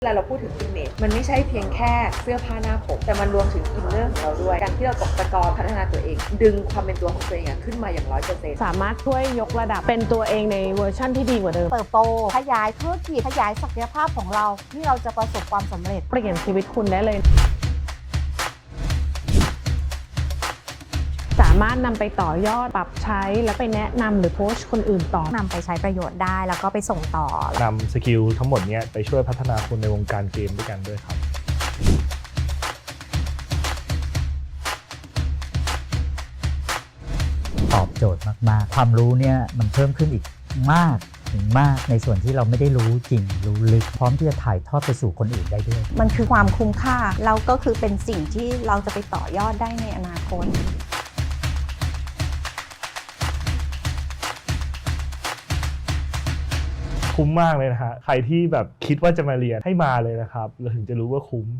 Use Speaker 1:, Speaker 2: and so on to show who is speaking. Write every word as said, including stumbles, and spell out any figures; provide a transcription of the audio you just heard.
Speaker 1: เวลาเราพูดถึง image มันไม่ใช่เพียงแค่เสื้อผ้าหน้าผมแต่มันรวมถึงอินเนอร์ของเราด้วยการที่เราตกตะกอนพัฒนาตัวเอง ดึงความเป็นตัวของตัวเองขึ้นมาอย่างร้อยเปอร์เซ็นต์
Speaker 2: สามารถช่วยยกระดับเป็นตัวเองในเวอร์ชั่นที่ดีกว่าเดิม
Speaker 3: เติบโตขยายธุรกิจขยายศักยภาพของเราที่เราจะประสบความสำเร็จ
Speaker 2: เปลี่ยนชีวิตคุณได้เลยสามารถนำไปต่อยอดปรับใช้แล้วไปแนะนำหรือโพสต์คนอื่นต่อน
Speaker 3: ำไปใช้ประโยชน์ได้แล้วก็ไปส่งต่อน
Speaker 4: ำสกิลทั้งหมดนี้ไปช่วยพัฒนาคนในวงการเกมด้วยกันด้วยครับ
Speaker 5: ตอบโจทย์มากๆความรู้เนี่ยมันเพิ่มขึ้นอีกมากถึงมากในส่วนที่เราไม่ได้รู้จริงรู้ลึกพร้อมที่จะถ่ายทอดไปสู่คนอื่นได้ด้วย
Speaker 3: มันคือความคุ้มค่าแล้วก็คือเป็นสิ่งที่เราจะไปต่อยอดได้ในอนาคต
Speaker 4: คุ้มมากเลยนะฮะใครที่แบบคิดว่าจะมาเรียนให้มาเลยนะครับเราถึงจะรู้ว่าคุ้ม